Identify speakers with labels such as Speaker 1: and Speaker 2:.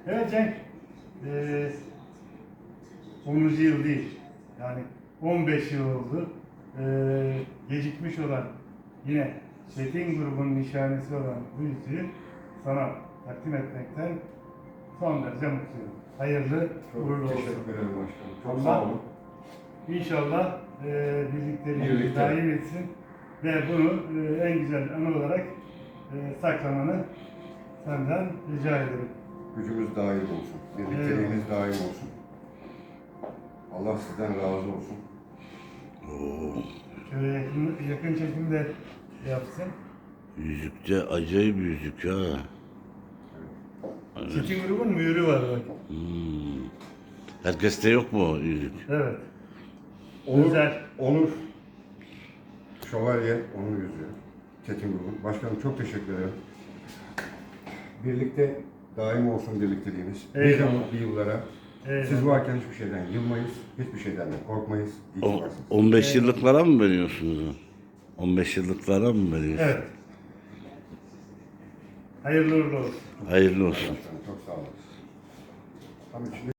Speaker 1: Evet Cenk, 10. yıl değil, yani 15 yıl oldu. Gecikmiş olan, yine Çetin grubunun nişanesi olan bu yüzüğü sana takdim etmekten son derece mutluyum. Hayırlı, uğurlu olsun.
Speaker 2: Teşekkür ederim başkanım. Çok
Speaker 1: Allah
Speaker 2: sağ olun.
Speaker 1: İnşallah birlikteliğimizi daim etsin ve bunu en güzel anı olarak saklamanı senden rica ederim.
Speaker 2: Gücümüz daim olsun. Birlikteliğimiz daim olsun. Allah sizden razı olsun.
Speaker 1: Şöyle yakın çekimde yapsın.
Speaker 3: Yüzükte acayip yüzük ha.
Speaker 1: Çetin grubun mühürü var bak.
Speaker 3: Herkeste yok mu o yüzük?
Speaker 1: Evet.
Speaker 2: Onur,
Speaker 1: Özel.
Speaker 2: Onur Şövalye, Onur Yüzüğü. Çetin grubun. Başkanım çok teşekkür ederim. Birlikte daim olsun birlikteliğimiz.
Speaker 1: Eyvallah.
Speaker 2: Nice mutlu yıllara.
Speaker 1: Eyvallah.
Speaker 2: Siz varken hiçbir şeyden yılmayız. Hiçbir şeyden de korkmayız. İyi ki
Speaker 3: O,
Speaker 2: varsınız.
Speaker 3: 15 yıllıklara mı veriyorsunuz? 15 yıllıklara mı veriyorsunuz?
Speaker 1: Evet. Hayırlı uğurlu olsun.
Speaker 3: Hayırlı olsun.
Speaker 2: Başkanım çok sağ olun. Tam içinde